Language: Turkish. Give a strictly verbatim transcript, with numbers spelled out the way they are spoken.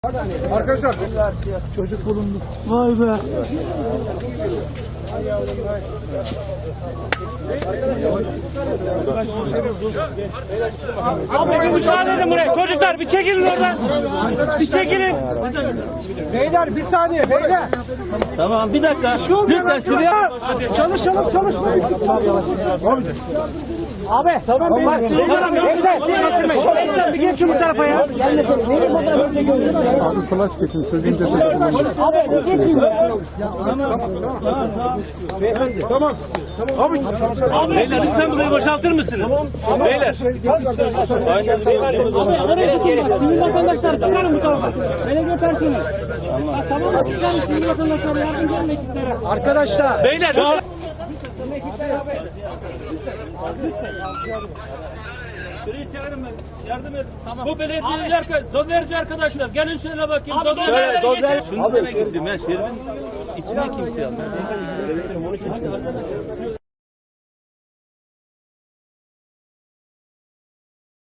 Arkadaşlar çocuk bulundu. Vay be. Abi bir müsaade edin buraya. Çocuklar bir çekilin oradan. Bir çekilin. Beyler bir saniye beyler. Tamam bir dakika. Lütfen şuraya. Çalışalım çalışalım. Abi tamam beyler. Gençler gençler bir geçin bu tarafa ya. Abi flash geçin sözün destek. Abi bir geçin. Tamam. Abi. Beyler lütfen burayı boşaltır mısınız? Beyler. Sivil vatandaşlar çıkarın bu tarafa. Belediye personeli. Tamam mı? Çıkarın sivil vatandaşlar yardımcı olun ekiplere. Arkadaşlar. Beyler. Şu Şurayı çağırın ben. Yardım edin. Tamam. Bu belediyeler, dozerci arkadaşlar. Gelin şöyle bakayım. Dozer. Dozer. Şunu demek istedim. Ben şeridin içine kimse almıyor.